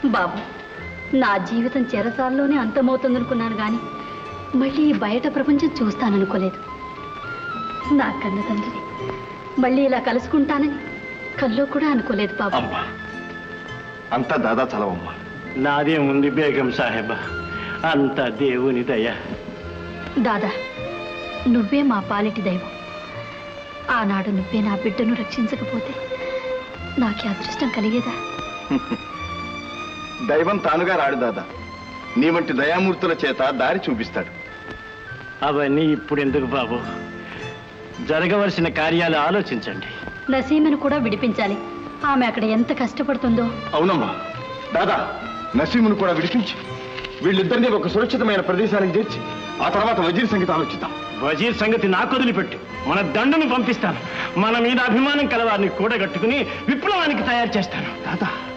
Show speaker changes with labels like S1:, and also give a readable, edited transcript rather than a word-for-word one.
S1: బాబు, నా జీవితం చెరసాల్లోనే అంతమవుతుందనుకున్నాను కానీ మళ్ళీ బయట ప్రపంచం చూస్తాననుకోలేదు. నా కన్న తండ్రిని మళ్ళీ ఇలా కలుసుకుంటానని కల్లో కూడా అనుకోలేదు బాబు.
S2: అమ్మా, అంతా దాదా చలవమ్మా.
S3: నాదే ఉంది బేగం సాహెబా, అంత దేవుని దయ.
S1: దాదా, నువ్వే మా పాలిటి దైవం. ఆనాడు నువ్వే నా బిడ్డను రక్షించకపోతే నాకే అదృష్టం కలిగేదా?
S2: దైవం తానుగా రాడు దాదా, నీ వంటి దయామూర్తుల చేత దారి చూపిస్తాడు.
S3: అవన్నీ ఇప్పుడు ఎందుకు బాబు, జరగవలసిన కార్యాలు ఆలోచించండి.
S1: నసీమను కూడా విడిపించాలి. ఆమె అక్కడ ఎంత కష్టపడుతుందో.
S2: అవునమ్మా దాదా, నసీమును కూడా విడిపించి వీళ్ళిద్దరినీ ఒక సురక్షితమైన ప్రదేశానికి చేర్చి ఆ తర్వాత వజీర్ సంగతి ఆలోచిద్దాం.
S3: వజీర్ సంగతి నాకు వదిలిపెట్టు, మన దండును పంపిస్తాను. మన మీద అభిమానం కలవారిని కూడగట్టుకుని విప్లవానికి తయారు చేస్తాను.
S2: దాదా